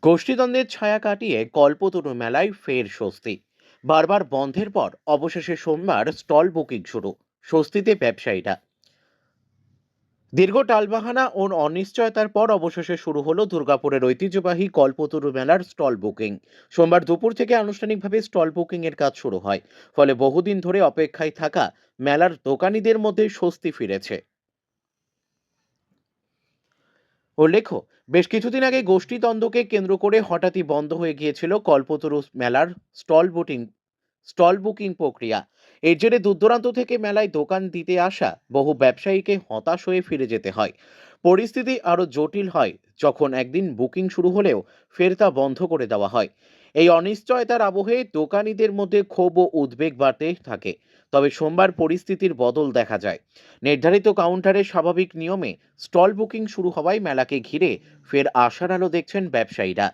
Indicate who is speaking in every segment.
Speaker 1: গোষ্ঠীদ্বন্দ্বের ছায়া কাটিয়ে কল্পতরু মেলায় ফের স্বস্তি। বারবার বন্ধের পর অবশেষে সোমবার স্টল বুকিং শুরু। স্বস্তিতে ব্যবসায়ীরা। দীর্ঘ টালবাহানা ও অনিশ্চয়তার পর অবশেষে শুরু হলো দুর্গাপুরের ঐতিহ্যবাহী কল্পতরু মেলার স্টল বুকিং। সোমবার দুপুর থেকে আনুষ্ঠানিকভাবে স্টল বুকিং এর কাজ শুরু হয়। ফলে বহুদিন ধরে অপেক্ষায় থাকা মেলার দোকানীদের মধ্যে স্বস্তি ফিরেছে। উল্লেখ্য, বেশ কিছুদিন আগে গোষ্ঠীদ্বন্দ্বকে কেন্দ্র করে হঠাৎই বন্ধ হয়ে গিয়েছিল কল্পতরু মেলার স্টল বুকিং স্টল বুকিং প্রক্রিয়া। এর জেরে দূরদূরান্ত থেকে মেলায় দোকান দিতে আসা বহু ব্যবসায়ীকে হতাশ হয়ে ফিরে যেতে হয়। পরিস্থিতি আরও জটিল হয় যখন একদিন বুকিং শুরু হলেও ফের তা বন্ধ করে দেওয়া হয়। এই অনিশ্চয়তার আবহে দোকানীদের মধ্যে ক্ষোভ ও উদ্বেগ বাড়তে থাকে। তবে সোমবার পরিস্থিতির বদল দেখা যায়। নির্ধারিত কাউন্টারে স্বাভাবিক নিয়মে স্টল বুকিং শুরু হওয়ায় মেলাকে ঘিরে ফের আশার আলো দেখছেন ব্যবসায়ীরা।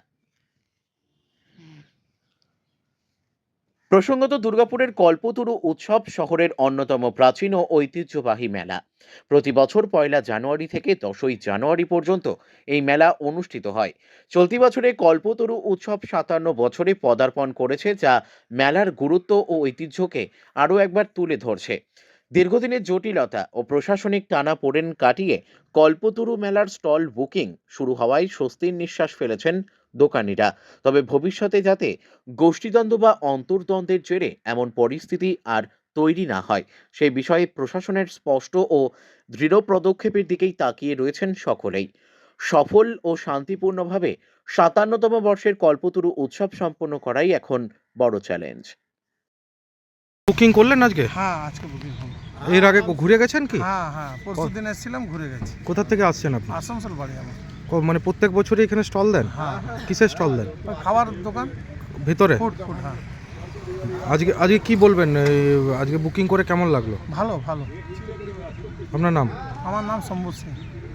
Speaker 1: প্রসঙ্গত, দুর্গাপুরের কল্পতরু উৎসব শহরের অন্যতম প্রাচীন ও ঐতিহ্যবাহী মেলা। প্রতি বছর ১লা জানুয়ারি থেকে ১০ই জানুয়ারি পর্যন্ত এই মেলা অনুষ্ঠিত হয়। চলতি বছরে কল্পতরু উৎসব ৫৭ বছরে পদার্পণ করেছে, যা মেলার গুরুত্ব ও ঐতিহ্যকে আরও একবার তুলে ধরছে। দীর্ঘদিনের জটিলতা ও প্রশাসনিক টানাপোড়েন কাটিয়ে কল্পতরু মেলার স্টল বুকিং শুরু হওয়ায় স্বস্তির নিঃশ্বাস ফেলেছেন দোকানিরা। তবে ভবিষ্যতে যাতে গোষ্ঠীদ্বন্দ্ব বা অন্তর্দ্বন্দ্বের জেরে এমন পরিস্থিতি আর তৈরি না হয়, সেই বিষয়ে প্রশাসনের স্পষ্ট ও দৃঢ় পদক্ষেপের দিকেই তাকিয়ে রয়েছেন সকলেই। সফল ও শান্তিপূর্ণভাবে ৫৭তম বর্ষের কল্পতরু উৎসব সম্পন্ন করাই এখন বড় চ্যালেঞ্জ।
Speaker 2: বুকিং করলেন আজকে?
Speaker 3: হ্যাঁ, আজকে বুকিং হলো।
Speaker 2: এর আগে ঘুরে গেছেন কি?
Speaker 3: হ্যাঁ, পরশুদিন এসেছিলাম, ঘুরে গেছি।
Speaker 2: কোথা থেকে আসছেন আপনি?
Speaker 3: আসানসোল বাড়ি আমার।
Speaker 2: মানে প্রত্যেক বছরই এখানে স্টল দেন?
Speaker 3: হ্যাঁ।
Speaker 2: কিসের স্টল দেন?
Speaker 3: ওই খাবার দোকান,
Speaker 2: ভিতরে?
Speaker 3: ফুড, হ্যাঁ।
Speaker 2: আজকে কি বলবেন, আজকে বুকিং করে কেমন লাগলো?
Speaker 3: ভালো।
Speaker 2: আপনার নাম?
Speaker 3: আমার নাম শম্ভু সিং।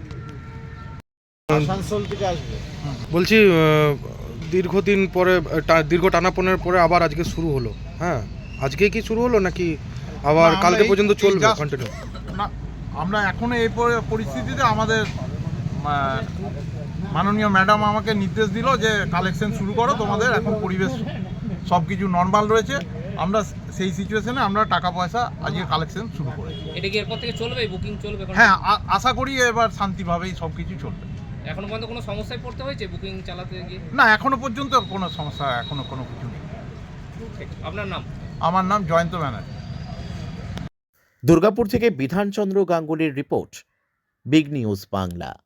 Speaker 2: বলছি, দীর্ঘদিন পরে দীর্ঘ টানাপোড়েনের পরে আবার আজকে শুরু হলো। হ্যাঁ, আজকে কি শুরু হলো নাকি আবার
Speaker 4: না,
Speaker 2: কালকে
Speaker 4: আমরা
Speaker 2: পর্যন্ত
Speaker 4: এই
Speaker 2: চলবে
Speaker 4: just-
Speaker 2: কন্টিনিউ?
Speaker 4: না, আমরা এখনো এই পরিস্থিতিতে আমাদের মাননীয় ম্যাডাম আমাকে নির্দেশ দিল যে কালেকশন শুরু করো, তোমাদের এখন পরিবেশ সব কিছু নর্মাল রয়েছে। আমরা সেই সিচুয়েশনে আমরা টাকা পয়সা আজকে কালেকশন শুরু করি।
Speaker 5: এটা কি এরপর থেকে চলবে, বুকিং চলবে?
Speaker 4: হ্যাঁ, আশা করি এবার শান্তিভাবেই সব কিছু চলবে।
Speaker 5: এখনো পর্যন্ত কোনো সমস্যায় পড়তে হয়েছে বুকিং চালাতে গিয়ে?
Speaker 4: না, এখনো পর্যন্ত কোনো সমস্যা কোনো কিছু নেই।
Speaker 5: আপনার নাম?
Speaker 4: আমার নাম জয়ন্ত ব্যানার্জি।
Speaker 1: দুর্গাপুর থেকে বিধানচন্দ্র গাঙ্গুলির রিপোর্ট, বিগ নিউজ বাংলা।